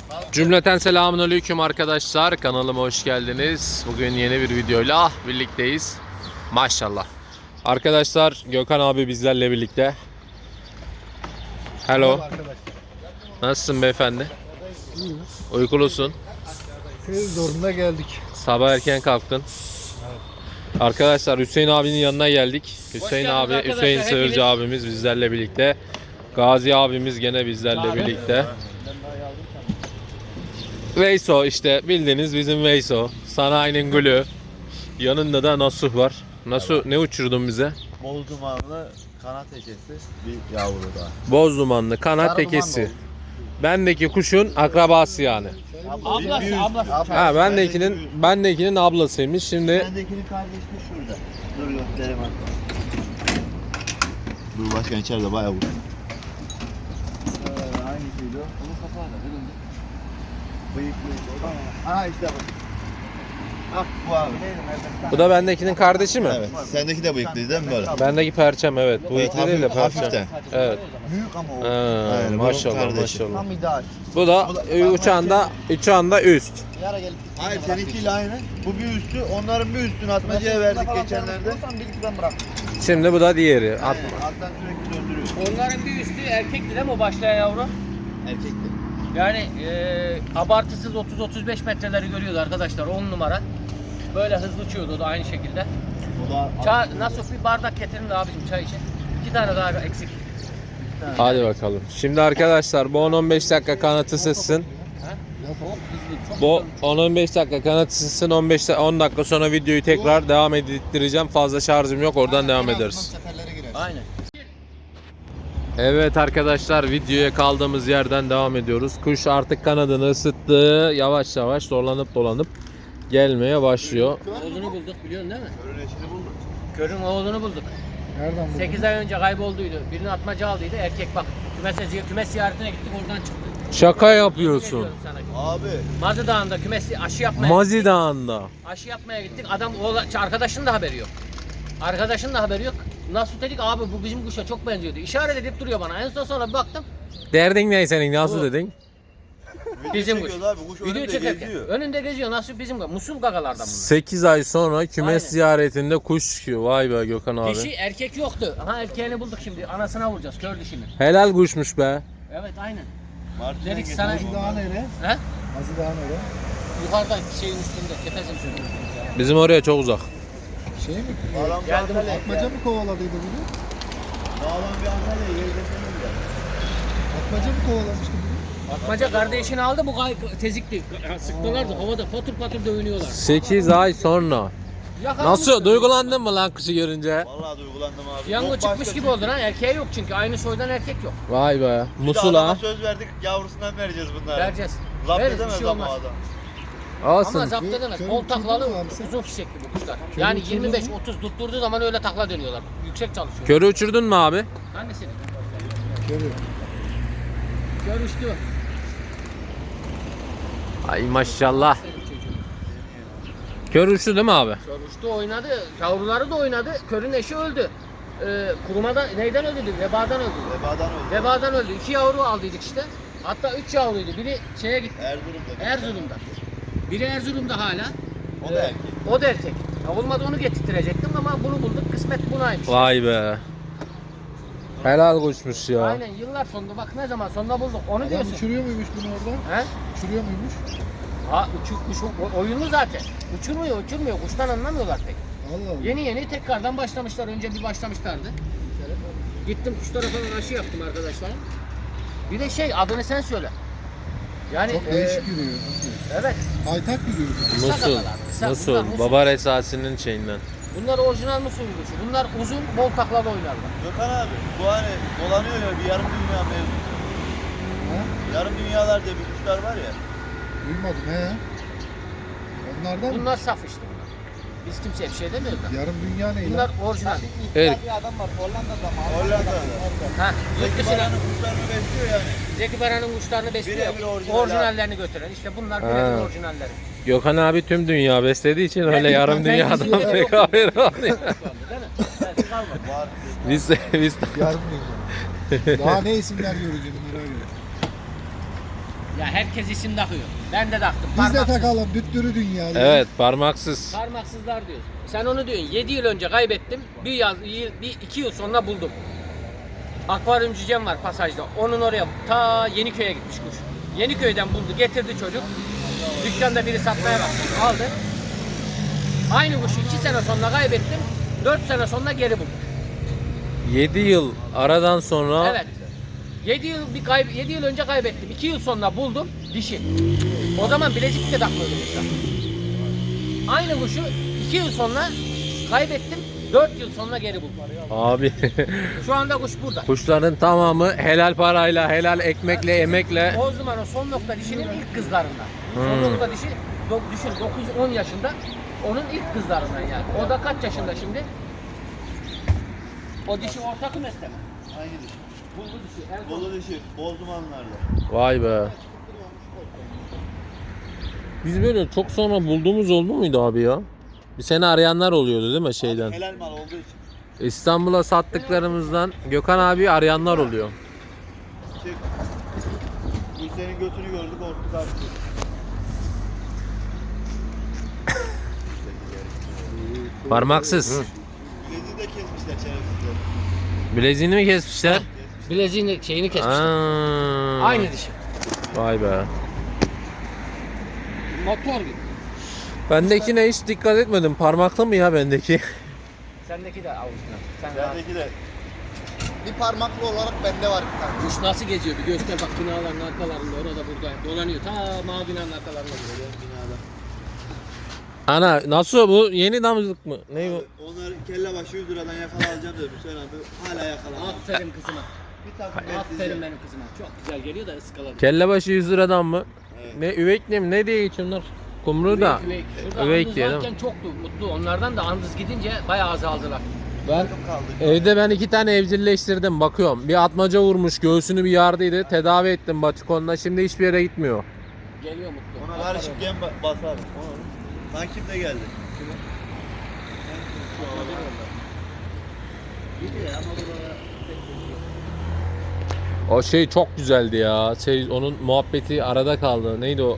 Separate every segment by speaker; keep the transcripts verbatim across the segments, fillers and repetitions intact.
Speaker 1: Cümleten selamünaleyküm arkadaşlar. Kanalıma hoş geldiniz. Bugün yeni bir videoyla birlikteyiz. Maşallah. Arkadaşlar Gökhan abi bizlerle birlikte. Hello. Nasılsın beyefendi?
Speaker 2: İyiyim.
Speaker 1: Uykulusun.
Speaker 2: Köy zorunda geldik.
Speaker 1: Sabah erken kalktın. Arkadaşlar Hüseyin abinin yanına geldik. Hüseyin abi,
Speaker 3: arkadaşlar,
Speaker 1: Hüseyin
Speaker 3: hepiniz.
Speaker 1: Sığırcı abimiz bizlerle birlikte. Gazi abimiz gene bizlerle birlikte. Veyso işte bildiğiniz bizim Veyso. Sanayinin gülü. Yanında da Nasuh var. Nasuh ne uçurdun bize?
Speaker 4: Bol dumanlı kanat ekesi bir yavru daha.
Speaker 1: Boz dumanlı kanat
Speaker 4: Sarı
Speaker 1: tekesi.
Speaker 4: dumanlı
Speaker 1: Bendeki kuşun akrabası yani.
Speaker 3: Ablası, ablası.
Speaker 1: Ha bendekinin bendekinin ablasıymış. Şimdi
Speaker 4: Bendekinin kardeşi şurada. Dur göstereyim hatta. Dur başkan içeride bayağı vurdu. Ee, hangisiydi o? Onun kapağı da önünde. Bıyıklıydı o da. Aha işte bu. Ah bu abi.
Speaker 1: bu da bendekinin kardeşi mi?
Speaker 4: Evet. Sendeki de bıyıklıydı değil mi böyle?
Speaker 1: Bendeki perçem evet. Bu
Speaker 4: Evet,
Speaker 1: ikili değil de
Speaker 4: hafif- hafiften.
Speaker 1: perçem. Evet.
Speaker 4: Büyük ama o.
Speaker 1: Ha,
Speaker 4: Aynen, bunun
Speaker 1: maşallah
Speaker 4: kardeşi.
Speaker 1: maşallah.
Speaker 4: Tam ideal.
Speaker 1: Bu da uçağında uçağında üst.
Speaker 4: Yara gelip hayır seninkiyle aynı. Bu bir üstü, onların bir üstünü atmacaya verdik geçenlerde.
Speaker 1: Şimdi bu da diğeri. At-
Speaker 4: Aynen, alttan sürekli döndürüyor.
Speaker 3: Onların bir üstü erkekti değil mi o başlayan yavru?
Speaker 4: Erkekti.
Speaker 3: Yani e, abartısız otuz otuz beş metreleri görüyordu arkadaşlar, on numara. Böyle hızlı uçuyordu o da aynı şekilde.
Speaker 4: O da
Speaker 3: Çay, nasıl bir bardak getirin de abicim çay için. İki tane daha eksik.
Speaker 1: Hadi bakalım. Şimdi arkadaşlar bu on on beş dakika kanatı sızsın.
Speaker 3: Çok hızlı, çok
Speaker 1: Bu
Speaker 3: hızlı.
Speaker 1: on on beş dakika kanatı sızsın. on beş on dakika sonra videoyu tekrar devam ettireceğim. Fazla şarjım yok. Oradan devam ederiz.
Speaker 3: Aynen.
Speaker 1: Evet arkadaşlar videoya kaldığımız yerden devam ediyoruz. Kuş artık kanadını ısıttı. Yavaş yavaş dolanıp dolanıp gelmeye başlıyor.
Speaker 3: Oğlunu bulduk biliyorsun değil mi?
Speaker 4: Körün eşini bulduk.
Speaker 3: Körün oğlunu bulduk.
Speaker 2: Nereden buldun?
Speaker 3: sekiz ay önce kaybolduydu. Birini atmaca aldıydı. Erkek bak. Kümes, kümes ziyaretine gittik, oradan çıktı.
Speaker 1: Şaka
Speaker 3: Yemin
Speaker 1: yapıyorsun.
Speaker 3: ediyorum sana.
Speaker 4: Abi.
Speaker 3: Mazı Dağı'nda kümes aşı yapmaya
Speaker 1: Mazi Dağı'nda.
Speaker 3: Aşı yapmaya gittik. Adam oğla, arkadaşın da haberi yok. Arkadaşın da haberi yok. Nasıl dedik abi bu bizim kuşa çok benziyordu. İşaret edip duruyor bana. En son sonra bir baktım.
Speaker 1: Derdin ne senin? Nasıl
Speaker 3: Bu.
Speaker 1: dedin?
Speaker 3: Bizim kuş.
Speaker 4: Abi, kuş
Speaker 3: Video
Speaker 4: önünde
Speaker 3: çekerken.
Speaker 4: geziyor.
Speaker 3: Önünde geziyor. Nasıl bizim kuş. Musul gagalardan bunlar.
Speaker 1: sekiz ay sonra kümes
Speaker 3: Aynen.
Speaker 1: ziyaretinde kuş çıkıyor. Vay be Gökhan abi.
Speaker 3: Dişi erkek yoktu. Aha erkeğini bulduk şimdi. Anasına vuracağız kör dişini.
Speaker 1: Helal kuşmuş be.
Speaker 3: Evet aynen.
Speaker 4: Martı'dan
Speaker 3: Dedik
Speaker 4: getirdim
Speaker 3: sana-
Speaker 4: onları.
Speaker 2: Mazı Dağı nere?
Speaker 3: He?
Speaker 2: Mazı Dağı nere?
Speaker 3: Yukarıdan şeyin üstünde. Tepezin üstünde.
Speaker 1: Bizim oraya çok uzak.
Speaker 2: Şey mi?
Speaker 4: Sağlam bir
Speaker 3: Geldim.
Speaker 4: Antalya.
Speaker 2: Atmaca mı kovaladıydı bunu?
Speaker 4: Sağlam bir Antalya'ya gezdirmemiz lazım.
Speaker 2: Atmaca mı kovalamıştı bunu?
Speaker 3: Atmaca kardeşini aldı, bu gay tezikti. Sıktılardı havada patır patır dövünüyorlar.
Speaker 1: sekiz ay sonra.
Speaker 3: Yakalamışlar.
Speaker 1: Nasıl? Duygulandın mı lan kuşu görünce?
Speaker 4: Vallahi duygulandım abi.
Speaker 3: Yango
Speaker 4: Yok
Speaker 3: çıkmış
Speaker 4: başka
Speaker 3: gibi
Speaker 4: bir-
Speaker 3: oldu lan. Erkeğe yok çünkü. Aynı soydan erkek yok.
Speaker 1: Vay be.
Speaker 4: Bir de adama
Speaker 1: Musula.
Speaker 4: söz verdik yavrusundan vereceğiz bunları.
Speaker 3: Vereceğiz.
Speaker 4: Zapt
Speaker 3: Veririz, bir
Speaker 4: edemez
Speaker 3: şey
Speaker 4: ama
Speaker 3: olmaz.
Speaker 4: adam.
Speaker 3: Ama
Speaker 1: Olsun.
Speaker 3: zapt edemez.
Speaker 2: Körün
Speaker 3: Bol taklalı,
Speaker 2: uçurdu mu abi sen?
Speaker 3: uzun fişekli bu kuşlar.
Speaker 2: Körün
Speaker 3: Yani
Speaker 2: uçurdu
Speaker 3: yirmi beş
Speaker 2: mu?
Speaker 3: otuz tutturduğu zaman öyle takla dönüyorlar. Yüksek çalışıyor.
Speaker 1: Körü uçurdun mu abi?
Speaker 3: Hangisini?
Speaker 2: Körü.
Speaker 3: Kör uçtu.
Speaker 1: Ay maşallah. Kör uçtu değil mi abi?
Speaker 3: Kör uçtu, oynadı. Yavruları da oynadı. Körün eşi öldü. Ee, kurumadan, neyden öldü? Vebadan öldü.
Speaker 4: Vebadan öldü.
Speaker 3: Vebadan öldü. İki yavru aldıydık işte. Hatta üç yavruydu. Biri şeye gitti.
Speaker 4: Erzurum'da.
Speaker 3: Erzurum'da. Biri Erzurum'da hala.
Speaker 4: O da erkek.
Speaker 3: O da erkek. Ya olmadı onu getirttirecektim ama bunu bulduk. Kısmet bunaymış.
Speaker 1: Vay be. Helal kuşmuş ya.
Speaker 3: Aynen yıllar sonunda bak ne zaman sonunda bulduk. Onu
Speaker 2: Adam
Speaker 3: diyorsun.
Speaker 2: uçuruyor muymuş bunu orada?
Speaker 3: He?
Speaker 2: Uçuruyor muymuş?
Speaker 3: Ha uçuk, uçuk, o- oyunlu zaten. Uçurmuyor, uçurmuyor. Kuştan anlamıyorlar pek.
Speaker 2: Allah Allah.
Speaker 3: Yeni yeni tekrardan başlamışlar. Önce bir başlamışlardı. Gittim kuşlara falan aşı yaptım arkadaşlar. Bir de şey adını sen söyle. Yani
Speaker 2: Çok
Speaker 3: e,
Speaker 2: değişik yürüyor.
Speaker 3: evet.
Speaker 2: Haytak yürüyor.
Speaker 3: Kısa
Speaker 1: Musul.
Speaker 3: kafalar, kısa. Bunlar
Speaker 1: Musul.
Speaker 3: musul.
Speaker 1: Babar esasının şeyinden.
Speaker 3: Bunlar orijinal musul kuşu. Bunlar uzun, bol taklalı oynarlar.
Speaker 4: Gökhan abi bu hani dolanıyor ya bir yarım dünya mevzu.
Speaker 2: Ha?
Speaker 4: Yarım dünyalar diye bir kuşlar var ya.
Speaker 2: Duymadım he. Onlardan mı?
Speaker 3: Bunlar saf işte bunlar. Biz kimseye bir şey demiyoruz da.
Speaker 2: Yarım dünya ne
Speaker 3: Bunlar
Speaker 2: lan?
Speaker 3: orijinal.
Speaker 1: Evet.
Speaker 4: Hollanda'da.
Speaker 3: Ha, yurt
Speaker 4: Zeki
Speaker 3: dışına
Speaker 4: Baran'ın kuşlarını besliyor yani.
Speaker 3: Zeki Baran'ın kuşlarını besliyor.
Speaker 4: Birebir orijinal
Speaker 3: Orijinallerini götüren. İşte bunlar
Speaker 1: Ha.
Speaker 3: birebir orijinalleri.
Speaker 1: Gökhan abi tüm dünya beslediği için öyle yarım
Speaker 2: ben
Speaker 1: dünyadan
Speaker 2: izliyorum.
Speaker 1: pek haberi olmuyor.
Speaker 3: Değil mi? Belki kalmadı.
Speaker 4: Var.
Speaker 1: Biz biz
Speaker 2: Yarım dünya. Daha ne isimler göreceğim merak ediyorum.
Speaker 3: Ya herkes isim takıyor. Ben de taktım.
Speaker 2: Biz de
Speaker 3: Parmaksız.
Speaker 2: takalım düttürü dünya.
Speaker 1: Evet, parmaksız.
Speaker 3: Parmaksızlar diyorsun. Sen onu diyorsun. yedi yıl önce kaybettim. Bir yaz, yıl, bir iki yıl sonra buldum. Akvaryum cücem var pasajda. Onun oraya ta Yeniköy'e gitmiş kuş. Yeniköy'den buldu, getirdi çocuk. Dükkanda biri satmaya baktı. Aldı. Aynı kuşu iki sene sonra kaybettim. dört sene sonra geri buldum.
Speaker 1: yedi yıl aradan sonra
Speaker 3: Evet. yedi yıl bir kayb yedi yıl önce kaybettim. iki yıl sonra buldum dişi. O zaman Bilecik de takmıyordum kuşa. Aynı kuşu iki yıl sonra kaybettim. dört yıl sonra geri buldum.
Speaker 1: abi
Speaker 3: Şu anda kuş burada.
Speaker 1: kuşların tamamı helal parayla, helal ekmekle, emekle.
Speaker 3: O zaman o son nokta dişinin ilk kızlarından. Son
Speaker 1: Hmm.
Speaker 3: nokta dişi do, düşün dokuz on yaşında. Onun ilk kızlarından yani. O da kaç yaşında şimdi? O dişi orta kümeste mi?
Speaker 4: Aynı dişi.
Speaker 3: Buldu dişi. En son.
Speaker 4: Bolu dişi. Bol dumanlarda.
Speaker 1: Vay be. Biz böyle çok sonra bulduğumuz oldu muydu abi ya? Bir sene arayanlar oluyordu değil mi şeyden?
Speaker 4: Helal mal olduğu için.
Speaker 1: İstanbul'a sattıklarımızdan Gökhan abi arayanlar oluyor.
Speaker 4: Çık. Bu senin götünü gördük korktuk artık.
Speaker 1: Parmaksız.
Speaker 4: Bileziği de kesmişler şerefsizler.
Speaker 1: Bileziğini mi kesmişler?
Speaker 3: Bileziğini şeyini kesmişler.
Speaker 1: Aa.
Speaker 3: Aynı dişi.
Speaker 1: Vay be.
Speaker 3: Motor gibi.
Speaker 1: Bendekine hiç dikkat etmedim. Parmaklı mı ya bendeki?
Speaker 3: Sendeki de avucuna. Sen rahat.
Speaker 4: Bendeki de. Bir parmaklı olarak bende var bir tane.
Speaker 3: Kuş nasıl geziyor bir göster bak binaların arkalarında orada burada dolanıyor. Ta mavi binanın arkalarında duruyor.
Speaker 4: Binada.
Speaker 1: Ana nasıl bu? Yeni damızlık mı? Ne bu?
Speaker 4: Onlar kelle başı yüz liradan yakala alacağım dedi Hüseyin abi. Hala yakalamadım.
Speaker 3: Aferin kızıma.
Speaker 4: Bir takım
Speaker 3: Aferin
Speaker 4: bekleyeceğim.
Speaker 3: benim kızıma. Çok güzel geliyor da ıskaladı.
Speaker 1: Kellebaşı yüz liradan mı?
Speaker 4: Evet.
Speaker 1: Ne üvek ne mi? Ne diye geçiyorlar? Kumru da.
Speaker 3: Üvek, üvek. Şurada
Speaker 1: Üvek
Speaker 3: andız
Speaker 1: diye değil
Speaker 3: varken
Speaker 1: mi?
Speaker 3: çoktu mutlu. Onlardan da andız gidince bayağı azaldılar.
Speaker 1: Ben
Speaker 4: Takım kaldı.
Speaker 1: evde ben iki tane evcilleştirdim bakıyorum. Bir atmaca vurmuş göğsünü bir yardıydı. Tedavi ettim batikonla. Şimdi hiçbir yere gitmiyor.
Speaker 3: Geliyor mutlu.
Speaker 4: Ona karışık gem ba- basar. Ona. Takip de geldi.
Speaker 3: Gidiyor ama buralara pek gidiyor.
Speaker 1: O şey çok güzeldi ya. Şey onun muhabbeti arada kaldı. Neydi o?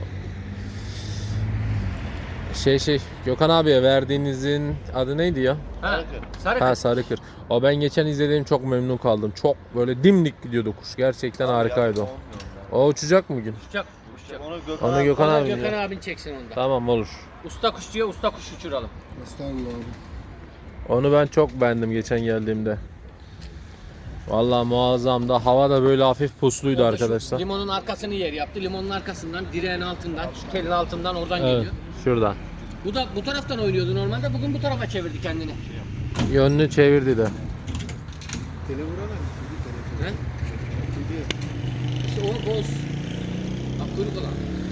Speaker 1: Şey şey Gökhan abiye verdiğinizin adı neydi ya?
Speaker 3: Ha,
Speaker 4: Sarıkır.
Speaker 3: sarı
Speaker 1: Ha
Speaker 3: kız.
Speaker 1: Sarıkır. O ben geçen izlediğim çok memnun kaldım. Çok böyle dimdik gidiyordu kuş. Gerçekten harikaydı o. O uçacak mı bugün?
Speaker 3: Uçacak. Uçacak.
Speaker 4: Onu Gökhan,
Speaker 1: Onu
Speaker 4: abi-
Speaker 1: Gökhan
Speaker 3: Onu
Speaker 1: abi.
Speaker 3: Gökhan
Speaker 1: ya.
Speaker 3: abin çeksin onda.
Speaker 1: Tamam olur.
Speaker 3: Usta kuş diyor usta kuş uçuralım.
Speaker 2: Estağfurullah abi.
Speaker 1: Onu ben çok beğendim geçen geldiğimde. Vallahi muazzamdı. Hava da böyle hafif pusluydu
Speaker 3: Orada şu
Speaker 1: arkadaşlar.
Speaker 3: Limonun arkasını yer yaptı. Limonun arkasından, direğin altından, şu telin altından oradan
Speaker 1: Evet,
Speaker 3: geliyor.
Speaker 1: şuradan.
Speaker 3: Bu da bu taraftan oynuyordu normalde. Bugün bu tarafa çevirdi kendini.
Speaker 1: Yönünü çevirdi de.
Speaker 2: Tele vuramam.
Speaker 3: He? İşte o boz. Bak kuyruk olan.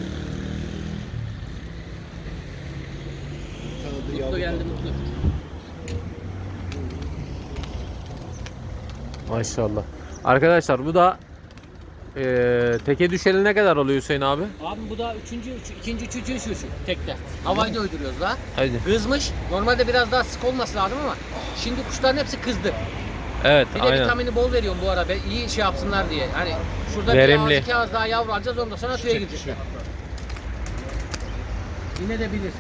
Speaker 3: Mutlu geldi mutlu.
Speaker 1: Maşallah. Arkadaşlar bu da eee teke düşeli ne kadar oluyor Hüseyin abi?
Speaker 3: Abi bu da üçüncü, üç, ikinci, üçüncü şu şu tekte. Havayı da uyduruyoruz daha.
Speaker 1: Hadi.
Speaker 3: Kızmış. Normalde biraz daha sık olması lazım ama şimdi kuşların hepsi kızdı.
Speaker 1: Evet
Speaker 3: Bir de
Speaker 1: aynen.
Speaker 3: vitamini bol veriyorum bu ara be, iyi şey yapsınlar diye. Hani şurada
Speaker 1: Verimli.
Speaker 3: bir ağız iki ağız daha yavru alacağız ondan sonra tüye gidecekler. Yine de bilir.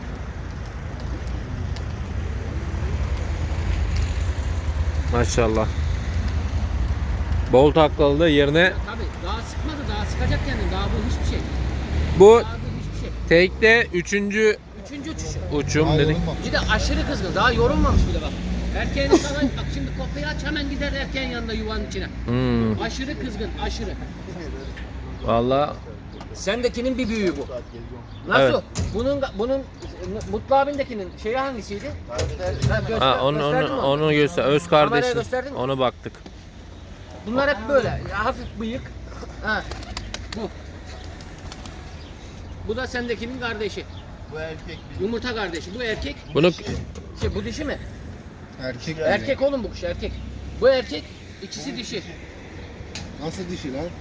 Speaker 1: Maşallah. Bol taklalı da yerine
Speaker 3: Tabii daha sıkmadı daha sıkacak kendini daha bu hiçbir şey.
Speaker 1: bu
Speaker 3: Daha bu hiçbir şey.
Speaker 1: tekte üçüncü
Speaker 3: Üçüncü uçuşu.
Speaker 1: uçum
Speaker 2: Daha
Speaker 1: dedik.
Speaker 2: yorulmamış.
Speaker 3: Bir de aşırı kızgın daha yorulmamış bile bak. Erkeğini sana bak şimdi kopyayı aç hemen gider erkeğin yanında yuvanın içine.
Speaker 1: Hmm.
Speaker 3: Aşırı kızgın aşırı.
Speaker 1: Vallahi
Speaker 3: Sendekinin bir büyüğü bu. Nasıl?
Speaker 1: Evet.
Speaker 3: Bunun bunun Mutlu abindekinin şeyi hangisiydi? Ha, göster,
Speaker 1: ha, onu
Speaker 3: gösterdin
Speaker 1: onu
Speaker 3: mi?
Speaker 1: onu göster. Öz
Speaker 3: Kameraya
Speaker 1: kardeşim.
Speaker 3: gösterdin mi?
Speaker 1: Onu baktık.
Speaker 3: Bunlar hep böyle. Ya, hafif bıyık. Ha. Bu. Bu da sendekinin kardeşi.
Speaker 4: Bu erkek bir
Speaker 3: Yumurta kardeşi. Bu erkek.
Speaker 1: Bunu
Speaker 3: Şey bu dişi mi?
Speaker 2: Erkek.
Speaker 3: Erkek oğlum bu kuş erkek. Bu erkek. İkisi dişi.
Speaker 2: Nasıl dişi lan?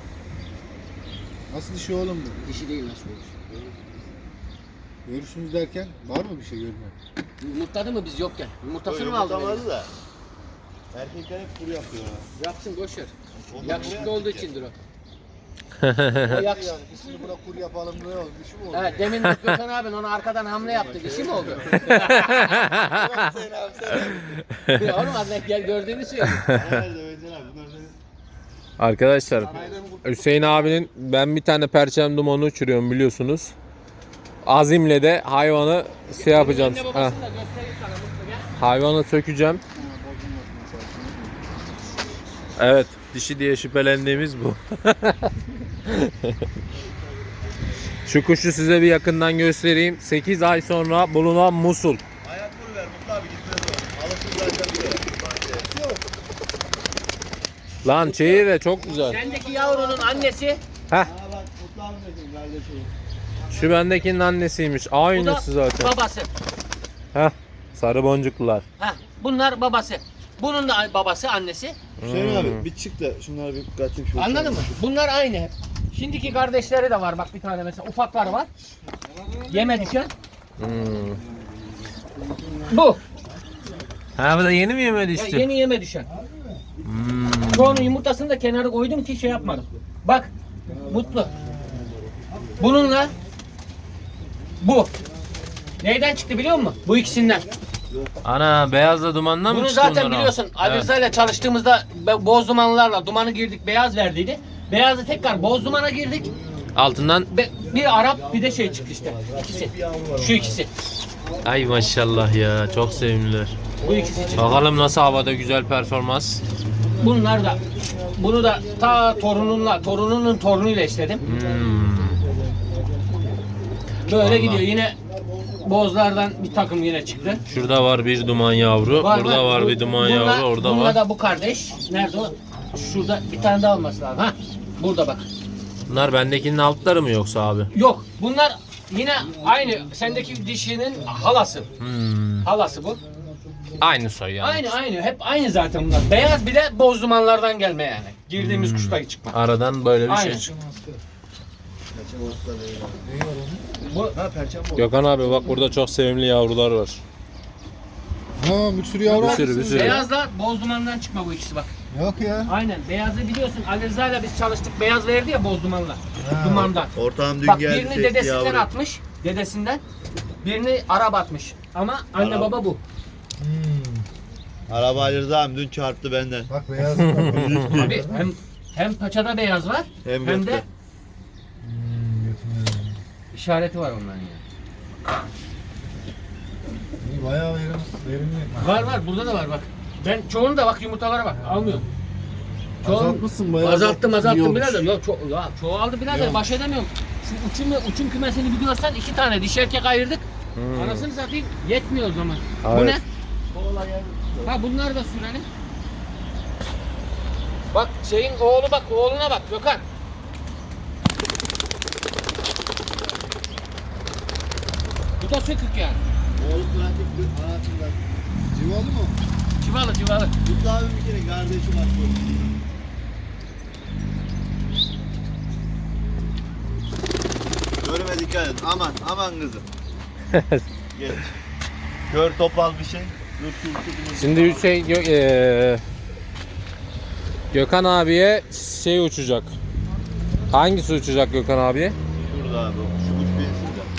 Speaker 2: Nasıl dişi oğlum bu?
Speaker 3: Dişi değil nasıl olur?
Speaker 2: Görürsünüz derken var mı bir şey görmüyor?
Speaker 3: Yumurtladı mı biz yokken? Yumurtasını mı
Speaker 4: yumurta
Speaker 3: aldı?
Speaker 4: vardı
Speaker 3: benim?
Speaker 4: da. Erkekler hep kuru yapıyor ha.
Speaker 3: Yapsın boş ver.
Speaker 4: Ondan
Speaker 3: Yakışıklı
Speaker 4: buraya
Speaker 3: olduğu
Speaker 4: atacak.
Speaker 3: içindir o. O
Speaker 2: Yani
Speaker 3: yakışık.
Speaker 2: biz şimdi buna kur yapalım ne oldu? Dişi mi oldu?
Speaker 3: Evet, demin Gökhan abin onu arkadan hamle yaptı. Dişi mi oldu?
Speaker 2: Sen abi sen.
Speaker 3: Ya oğlum az gel gördüğünü söylüyor.
Speaker 4: Nerede Veysel abi? Bunlar senin.
Speaker 1: Arkadaşlar Hüseyin abinin ben bir tane perçem dumanı uçuruyorum biliyorsunuz. Azim'le de hayvanı şey yapacağım.
Speaker 3: Anne
Speaker 1: Ha,
Speaker 3: babasını da göstereyim sana Mutlu gel.
Speaker 1: hayvanı sökeceğim. Evet, dişi diye şüphelendiğimiz bu. Şu kuşu size bir yakından göstereyim. sekiz ay sonra bulunan Musul.
Speaker 4: Ayak vur ver Mutlu abi gitmez o. Alırsın zaten buraya.
Speaker 1: Lan çeyi de çok güzel.
Speaker 3: Sendeki yavrunun annesi,
Speaker 1: Heh,
Speaker 4: Aa bak Mutlu abi dedim kardeşim.
Speaker 1: şu bendekinin annesiymiş.
Speaker 3: bu da
Speaker 1: Aynısı zaten.
Speaker 3: babası.
Speaker 1: Heh, sarı boncuklular.
Speaker 3: Heh, bunlar babası. Bunun da babası, annesi.
Speaker 4: Hüseyin
Speaker 1: Hmm.
Speaker 4: abi bir çık da şunları bir kaçayım şu.
Speaker 3: Anladın mı? Bunlar aynı hep. Şimdiki kardeşleri de var bak bir tane mesela ufakları var. Yeme düşen.
Speaker 1: Hmm.
Speaker 3: Bu.
Speaker 1: Ha bu da yeni mi yeme
Speaker 3: Ya
Speaker 1: düştü?
Speaker 3: yeni yeme düşen.
Speaker 1: Hmm.
Speaker 3: Çoğunun yumurtasını da kenara koydum ki şey yapmadım. Bak Mutlu. Bununla bu. Neyden çıktı biliyor musun? Bu ikisinden.
Speaker 1: Ana beyazla dumandan mı
Speaker 3: Bunu
Speaker 1: çıktı
Speaker 3: zaten
Speaker 1: bunlar ha?
Speaker 3: biliyorsun. Ali
Speaker 1: Evet.
Speaker 3: Rıza ile çalıştığımızda be- boz dumanlarla dumanı girdik, beyaz verdiydi. Beyazı tekrar boz dumana girdik.
Speaker 1: Altından
Speaker 3: Be- bir Arap bir de şey çıktı işte. İkisi. Şu ikisi.
Speaker 1: ay maşallah ya çok sevimliler.
Speaker 3: Bu ikisi çıktı.
Speaker 1: Bakalım nasıl havada güzel performans.
Speaker 3: Bunlar da bunu da ta torununla, torununun torunuyla istedim.
Speaker 1: Hmm.
Speaker 3: Böyle
Speaker 1: Vallahi.
Speaker 3: gidiyor. Yine bozlardan bir takım yine çıktı.
Speaker 1: Şurada var bir duman yavru. Burada var
Speaker 3: Bu-
Speaker 1: bir duman
Speaker 3: bununla-
Speaker 1: yavru. Orada
Speaker 3: bununla
Speaker 1: var.
Speaker 3: da bu kardeş. Nerede o? Şurada bir tane daha olması lazım. Ha? Burada bak.
Speaker 1: Bunlar bendekinin altları mı yoksa abi?
Speaker 3: Yok. Bunlar yine aynı. Sendeki dişinin halası.
Speaker 1: Hmm.
Speaker 3: Halası bu.
Speaker 1: Aynı soy yani.
Speaker 3: Aynı aynı. Hep aynı zaten bunlar. Beyaz bile boz dumanlardan gelme yani. Girdiğimiz
Speaker 1: Hmm.
Speaker 3: kuşta çıkma.
Speaker 1: Aradan böyle bir
Speaker 3: Aynen.
Speaker 1: şey çıktı.
Speaker 4: Perçem olsa değil.
Speaker 3: Bu
Speaker 4: Ha perçem bu.
Speaker 1: Gökhan abi bak burada çok sevimli yavrular var.
Speaker 2: Ha bir sürü yavru
Speaker 1: Bir
Speaker 2: var.
Speaker 1: sürü, bir sürü.
Speaker 3: beyazla boz dumandan çıkma bu ikisi bak.
Speaker 2: Yok ya.
Speaker 3: Aynen. Beyazı biliyorsun. Ali Rıza ile biz çalıştık. Beyaz verdi ya boz dumanla. Dumandan.
Speaker 4: Ortağım dün
Speaker 3: Bak
Speaker 4: geldi.
Speaker 3: birini
Speaker 4: çekti
Speaker 3: dedesinden
Speaker 4: yavru.
Speaker 3: atmış. Dedesinden. Birini Arap atmış. Ama anne
Speaker 4: Arap.
Speaker 3: baba bu.
Speaker 2: Hmm.
Speaker 4: Araba Ali Rıza abi dün çarptı benden.
Speaker 2: Bak beyaz var.
Speaker 3: Abi hem hem paçada beyaz var
Speaker 4: Hem
Speaker 3: hem,
Speaker 4: gökte.
Speaker 3: de
Speaker 2: Hmm, götürüyorum.
Speaker 3: işareti var onların ya.
Speaker 2: İyi bayağı verim, verimli.
Speaker 3: Var var burada da var bak. Ben çoğunu da bak yumurtalara bak almıyorum. Çoğunu
Speaker 2: Azaltmışsın bayağı.
Speaker 3: azalttım
Speaker 2: İyi
Speaker 3: azalttım
Speaker 2: olmuş.
Speaker 3: birader. Yok ço ya çoğaldı birader
Speaker 2: Yok.
Speaker 3: baş edemiyorum. Şu uçun, uçun kümesini biliyorsan iki tane dişi erkek ayırdık.
Speaker 1: Hmm.
Speaker 3: Anasını satayım yetmiyor o zaman. Bu
Speaker 1: Evet.
Speaker 3: ne? Ha bunlar da sürelim. Bak şeyin oğlu bak oğluna bak Gökhan. Bu da sökük yani.
Speaker 4: Oğlum pratik dün anasında.
Speaker 2: Civalı mı?
Speaker 3: Civalı civalı.
Speaker 4: Mutlu abi bir kere kardeşim var. Görme dikkat et. Aman aman kızım. Geç. Gör topal bir şey. Dur şu şu
Speaker 1: Şimdi Hüseyin Gö eee, Gökhan abiye şey uçacak. Hangisi uçacak Gökhan abiye?
Speaker 4: Şurada abi. Şu uç bensin de.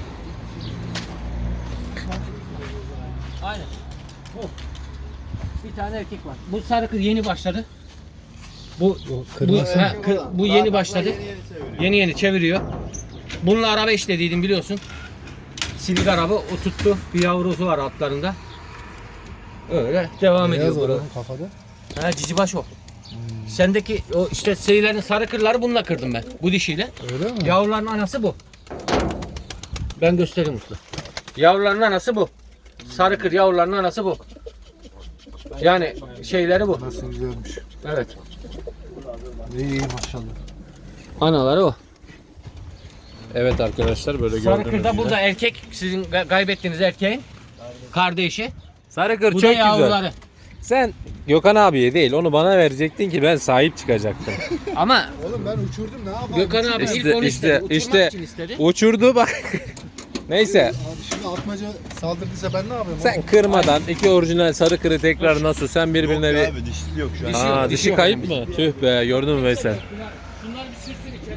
Speaker 3: Aynen. Bu. Bir tane erkek var. Bu sarı kız yeni başladı. Bu bu,
Speaker 2: kırmızı.
Speaker 3: ha, kı- bu yeni başladı.
Speaker 4: Yeni yeni çeviriyor.
Speaker 3: Yeni yeni çeviriyor. Bununla araba işlediydim biliyorsun. Silik araba o tuttu. Bir yavrusu var altlarında. Öyle devam ediyor
Speaker 2: Beyaz var
Speaker 3: burada.
Speaker 2: onun kafada.
Speaker 3: Ha cicibaş o. Sendeki o işte seyirlerin sarı kırları bununla kırdım ben. Bu dişiyle.
Speaker 2: Öyle mi?
Speaker 3: Yavruların anası bu. Ben göstereyim Mutlu. Yavruların anası bu. Sarı kır yavruların anası bu. Yani şeyleri bu.
Speaker 2: Nasıl güzelmiş.
Speaker 3: Evet.
Speaker 2: İyi iyi maşallah.
Speaker 3: Anaları o.
Speaker 1: Evet arkadaşlar böyle
Speaker 3: Sarı
Speaker 1: gördüğünüz
Speaker 3: kır da
Speaker 1: gibi.
Speaker 3: burada erkek. Sizin ga- kaybettiğiniz erkeğin kardeşi.
Speaker 1: Sarı kır
Speaker 3: Bu
Speaker 1: çok
Speaker 3: da
Speaker 1: güzel.
Speaker 3: yavruları.
Speaker 1: Sen Gökhan abiye değil onu bana verecektin ki ben sahip çıkacaktım.
Speaker 3: Ama
Speaker 2: Oğlum ben uçurdum ne yapayım?
Speaker 3: Gökhan abi
Speaker 1: İşte-
Speaker 3: ilk onu
Speaker 1: işte-
Speaker 3: istedi. Uçurmak
Speaker 1: işte-
Speaker 3: için istedi.
Speaker 1: Uçurdu bak. Neyse
Speaker 2: Abi şimdi atmaca saldırdıysa ben ne yapayım?
Speaker 1: sen kırmadan iki orijinal sarı kırı tekrar nasıl sen birbirine
Speaker 4: Yok
Speaker 1: bir...
Speaker 4: abi dişisi yok şu an.
Speaker 3: Dişi
Speaker 1: Aa
Speaker 3: yok,
Speaker 1: dişi
Speaker 3: dişi yok
Speaker 1: kayıp
Speaker 3: yani.
Speaker 1: mı? Tüh be gördün mü Veysel?
Speaker 3: Bunlar bir sürsün içeri.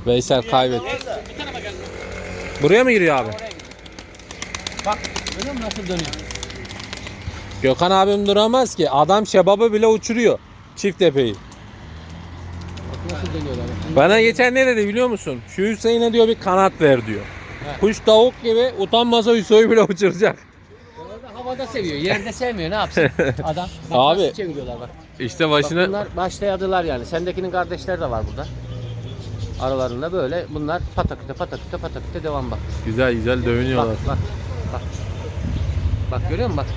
Speaker 1: Veysel kaybetti.
Speaker 3: Bir tarafa gel.
Speaker 1: Buraya mı giriyor abi?
Speaker 3: Oraya gidiyor. Bak görüyor musun nasıl dönüyor?
Speaker 1: Gökhan abim duramaz ki. Adam şebabı bile uçuruyor. Çift tepeyi.
Speaker 3: Bak nasıl dönüyorlar.
Speaker 1: Bana geçen ne dedi biliyor musun? Şu Hüseyin'e diyor bir kanat ver diyor.
Speaker 3: He.
Speaker 1: Kuş tavuk gibi utanmasa Hüseyin'i bile uçuracak.
Speaker 3: Orada havada seviyor. Yerde sevmiyor. Ne yapsın adam? Bak
Speaker 1: Abi.
Speaker 3: nasıl çeviriyorlar bak.
Speaker 1: İşte
Speaker 3: Bak
Speaker 1: başına...
Speaker 3: bunlar başlayadılar yani. Sendekinin kardeşleri de var burada. Aralarında böyle bunlar pataküte pataküte pataküte devam bak.
Speaker 1: Güzel güzel
Speaker 3: Bak
Speaker 1: dövünüyorlar.
Speaker 3: bak. Bak. Bak görüyor musun bak.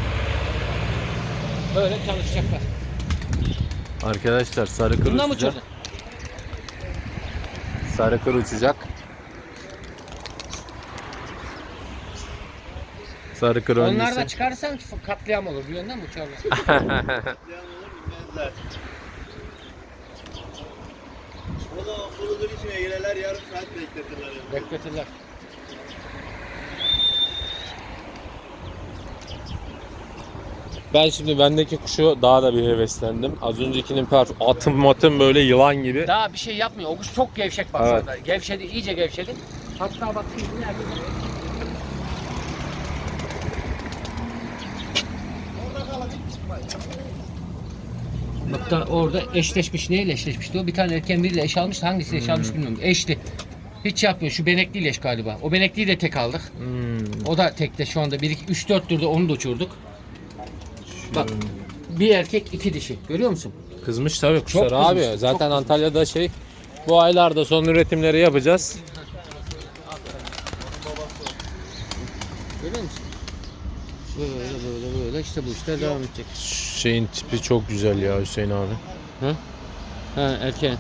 Speaker 3: Böyle çalışacaklar.
Speaker 1: Arkadaşlar sarı kır
Speaker 3: Bundan mı
Speaker 1: uçacak.
Speaker 3: uçurdun?
Speaker 1: Sarı kır uçacak. Sarı kır
Speaker 3: Onlar
Speaker 1: öncesi.
Speaker 3: da çıkarsan katliam olur. Bir yönden mi uçarlar?
Speaker 4: O zaman bulunur içine girerler yarım saat bekletirler.
Speaker 3: Bekletirler.
Speaker 1: Ben şimdi bendeki kuşu daha da bir heveslendim. Az öncekinin per atım matım böyle yılan gibi.
Speaker 3: Daha bir şey yapmıyor. O kuş çok gevşek bak
Speaker 1: Evet.
Speaker 3: sana. Gevşedi, iyice gevşedi. Hatta bak şimdi nerede? Bak da orada eşleşmiş. Neyle eşleşmiş diyor. Bir tane erken biriyle eş almış. Hangisi eş almış bilmiyorum. Eşli. Hiç yapmıyor. Şu benekliyle eş galiba. O benekliyi de tek aldık.
Speaker 1: Hmm.
Speaker 3: O da tekte şu anda bir iki üç dört turda onu da uçurduk. Bak bir erkek iki dişi. Görüyor musun?
Speaker 1: Kızmış tabii kuşlar
Speaker 3: Çok
Speaker 1: abi.
Speaker 3: kızmış,
Speaker 1: Zaten
Speaker 3: çok kızmış.
Speaker 1: Antalya'da şey bu aylarda son üretimleri yapacağız.
Speaker 3: Görüyor musun? Böyle böyle böyle işte bu işler devam edecek.
Speaker 1: Şeyin tipi çok güzel ya Hüseyin abi.
Speaker 3: Ha? Ha erken.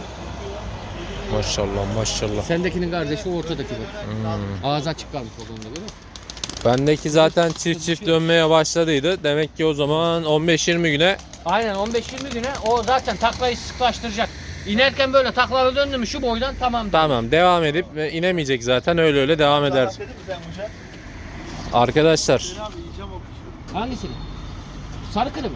Speaker 1: Maşallah maşallah.
Speaker 3: Sendekinin kardeşi ortadaki bak.
Speaker 1: Hmm.
Speaker 3: Ağzı açık kalmış olduğunda görüyor musun?
Speaker 1: Bendeki zaten çift çift dönmeye başladıydı. Demek ki o zaman on beş yirmi güne
Speaker 3: Aynen on beş yirmi güne o zaten taklayı sıklaştıracak. İnerken böyle taklalı döndü mü şu boydan tamam.
Speaker 1: tamam devam edip ve inemeyecek zaten öyle öyle devam eder.
Speaker 4: Dedim mi sen kuşa?
Speaker 1: Arkadaşlar
Speaker 4: Abi yiyeceğim o kuşu.
Speaker 3: Hangisini? Sarı kırı mı?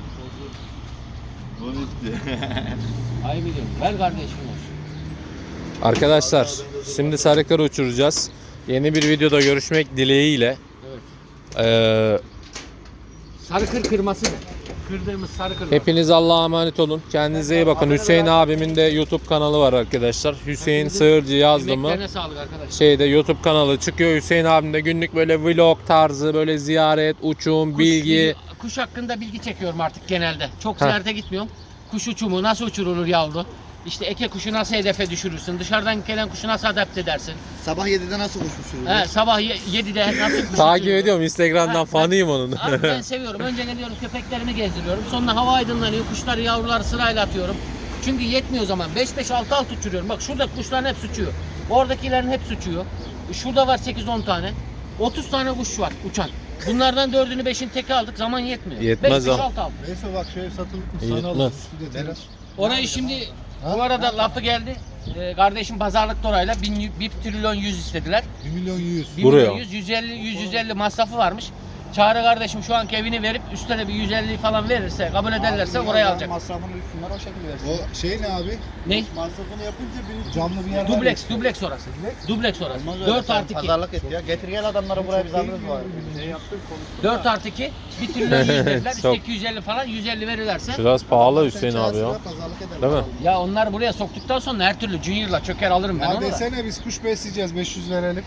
Speaker 4: Bunu istiyor.
Speaker 1: Şey
Speaker 3: Ay biliyorum. Ver kardeşim olsun.
Speaker 1: arkadaşlar şimdi sarıkları uçuracağız. Yeni bir videoda görüşmek dileğiyle.
Speaker 3: Evet.
Speaker 1: Ee,
Speaker 3: Sarı kır kırması ne? Kırdığımız sarı kırma.
Speaker 1: hepiniz Allah'a emanet olun. Kendinize iyi bakın. Hüseyin abimin de YouTube kanalı var arkadaşlar. Hüseyin Sığırcı yazdı mı?
Speaker 3: Emeklerine sağlık arkadaşlar.
Speaker 1: Şeyde YouTube kanalı çıkıyor. Hüseyin abim de günlük böyle vlog tarzı böyle ziyaret, uçum,
Speaker 3: Kuş-
Speaker 1: bilgi.
Speaker 3: Kuş hakkında bilgi çekiyorum artık genelde. Çok
Speaker 1: Heh.
Speaker 3: ziyarete gitmiyorum. Kuş uçumu nasıl uçurulur yavru? İşte eke kuşu nasıl hedefe düşürürsün? Dışarıdan gelen kuşu nasıl adapte edersin?
Speaker 4: Sabah yedide nasıl kuş uçurulur?
Speaker 3: He, sabah ye- yedide nasıl kuş
Speaker 1: Takip
Speaker 3: uçurulur?
Speaker 1: ediyorum Instagram'dan
Speaker 3: Ha,
Speaker 1: fanıyım onun.
Speaker 3: Abi ben seviyorum. Önce geliyorum köpeklerimi gezdiriyorum. Sonra hava aydınlanıyor. Kuşları yavruları sırayla atıyorum. Çünkü yetmiyor o zaman. beş beş altı altı uçuruyorum. Bak şurada kuşların hepsi uçuyor. Oradakilerin hepsi uçuyor. Şurada var sekiz on tane. otuz tane kuş var uçan. Bunlardan dördünü beşini teke aldık. Zaman yetmiyor.
Speaker 1: Yetmez
Speaker 3: beş beş
Speaker 1: o.
Speaker 3: altı altı.
Speaker 2: Neyse bak şey satılıp mı
Speaker 1: Yetmez.
Speaker 2: sana alırız. Üstü de teras.
Speaker 3: Orayı şimdi
Speaker 2: Ha?
Speaker 3: bu arada lafı geldi. Ee, kardeşim pazarlıkta orayla bir trilyon yüz istediler.
Speaker 2: bir milyon yüz.
Speaker 3: bir
Speaker 1: Buraya.
Speaker 3: milyon yüz, yüz elli, yüz, yüz elli masrafı varmış. Çağrı kardeşim şu anki evini verip üstüne bir yüz elli falan verirse, kabul ederlerse oraya alacak.
Speaker 4: Masrafını üstünden o şekilde versin.
Speaker 2: O şey ne abi?
Speaker 3: Ne?
Speaker 4: Masrafını yapınca bir
Speaker 2: Camlı bir yer var ya.
Speaker 3: Dubleks, dubleks orası. Dubleks orası. dört artı iki.
Speaker 4: Pazarlık et ya. Getir gel adamları buraya biz alırız var. Şey yaptık
Speaker 3: dört artı iki. bir trilyon yüz dediler.
Speaker 1: Çok.
Speaker 3: İşte iki yüz elli falan. yüz elli verirlerse.
Speaker 1: Biraz pahalı Hüseyin abi ya.
Speaker 2: Pazarlık eder.
Speaker 1: Değil mi?
Speaker 3: Ya onlar buraya soktuktan sonra her türlü Junior'la çöker alırım ben
Speaker 2: Ya
Speaker 3: onu da.
Speaker 2: desene biz kuş besleyeceğiz beş yüz verelim.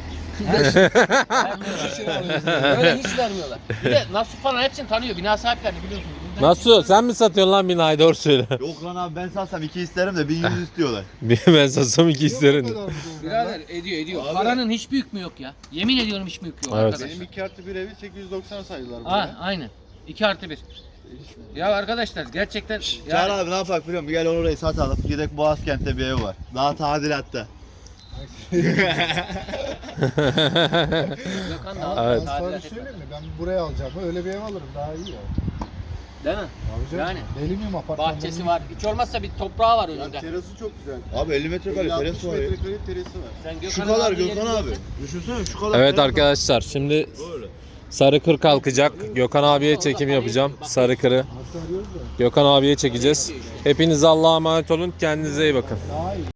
Speaker 3: Vermiyorlar. Öyle hiç vermiyorlar. Bir de Nasuh falan hepsini tanıyor. Bina sahiplerini biliyorsun.
Speaker 1: Nasıl? Sen mi satıyorsun lan binayı doğru söyle.
Speaker 4: Yok lan abi ben salsam iki isterim de bin yüz istiyorlar.
Speaker 1: ben satsam iki isterim.
Speaker 3: Birader ediyor ediyor. Paranın hiç büyük mü yok ya? Yemin ediyorum hiç büyük yok
Speaker 1: Evet.
Speaker 3: arkadaşlar.
Speaker 4: Benim iki artı bir evi sekiz yüz doksan saydılar
Speaker 3: Ha,
Speaker 4: buraya.
Speaker 3: aynen. iki artı bir. Ya arkadaşlar gerçekten
Speaker 4: Çağrı
Speaker 3: yani,
Speaker 4: abi ne yapak biliyor musun? Gel orayı satalım. Gidek Boğazkent'te bir ev var. Daha tadilatta.
Speaker 3: Gökhan da
Speaker 2: Abi,
Speaker 1: Evet.
Speaker 2: ben sana bir şey söyleyeyim mi? Ben buraya alacağım. Öyle bir ev alırım daha iyi ya.
Speaker 3: Değil mi?
Speaker 2: Abi canım,
Speaker 3: Yani.
Speaker 2: deli miyim apartmanda?
Speaker 3: Bahçesi var. Hiç olmazsa bir toprağı var önünde.
Speaker 4: Terası çok güzel. Abi elli metrekare terası var ya.
Speaker 2: metrekare terası var.
Speaker 3: Sen
Speaker 4: Şu
Speaker 3: Gökhan'ın
Speaker 4: kadar
Speaker 3: aldığı
Speaker 4: Gökhan
Speaker 3: yeri
Speaker 4: abi.
Speaker 3: görsen-
Speaker 4: Düşünsene şu kadar.
Speaker 1: Evet
Speaker 4: terası var.
Speaker 1: arkadaşlar şimdi
Speaker 4: Böyle.
Speaker 1: sarı kır kalkacak. Gökhan abiye çekim yapacağım. Sarı kırı. Gökhan abiye çekeceğiz. Hepiniz Allah'a emanet olun. Kendinize iyi bakın.
Speaker 2: Daha iyi.